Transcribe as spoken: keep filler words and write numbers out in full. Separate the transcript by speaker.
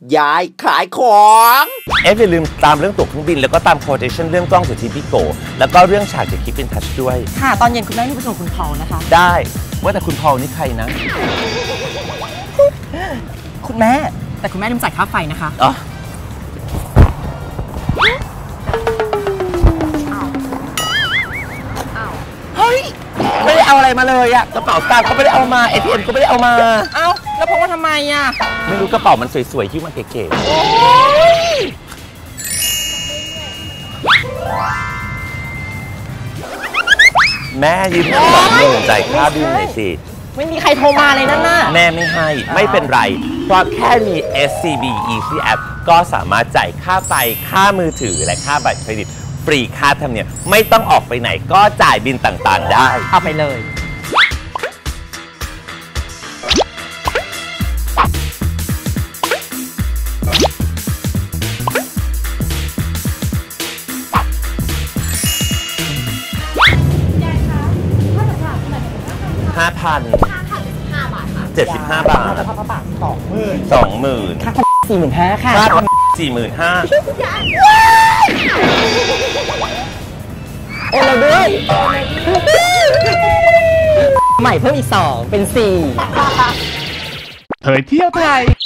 Speaker 1: ยายขายของ
Speaker 2: เอฟอย่าลืมตามเรื่องตั๋วเครื่องบินแล้วก็ตามโคเทชั่นเรื่องกล้องสุดที่พี่โกแล้วก็เรื่องฉากจากคลิปเป็นทัชด้วย
Speaker 3: ค่ะตอนเย็นคุณแม่มีประชุมคุณพอลนะคะ
Speaker 2: ได้ว่าแต่คุณพอลนี่ใครนะ
Speaker 3: คุณแม่แต่คุณแม่ลืมจ่ายค่าไฟนะคะ
Speaker 2: อ๋อเฮ้ยไม่ได้เอาอะไรมาเลยอะกระเป๋าสตางค์ก็ไม่ได้เอามา เอ ที เอ็ม ก็ไม่ได้เอามา
Speaker 3: เอ้าแล้วพกมาทำไมอะ
Speaker 2: ไม่รู้กระเป๋ามันสวยๆที่มันเก๋ๆแม่ยืมเงินสองหมื่นจ่ายค่าบิลหน่อยสิ
Speaker 3: ไม่มีใครโทรมาเลยนั่นน่ะ
Speaker 2: แม่ไม่ให้ไม่เป็นไรเพราะแค่มี เอส ซี บี Easy App ก็สามารถจ่ายค่าไฟค่ามือถือและค่าบัตรเครดิตฟรีค่าธรรมเนียมไม่ต้องออกไปไหนก็จ่ายบิลต่างๆได้
Speaker 3: เอาไปเลย
Speaker 2: ห้าพันเจ็ดสิบห้าบาท
Speaker 3: แล้วก็บาทสองหมื่น
Speaker 2: สองหมื่น
Speaker 3: ค่าสี่หมื่นห้าค่ะ
Speaker 2: ค่าสี่หมื่นห้า
Speaker 3: โอนเราด้วยใหม่เพิ่มอีกสองเป็นสี่
Speaker 4: เผยเที่ยวไทย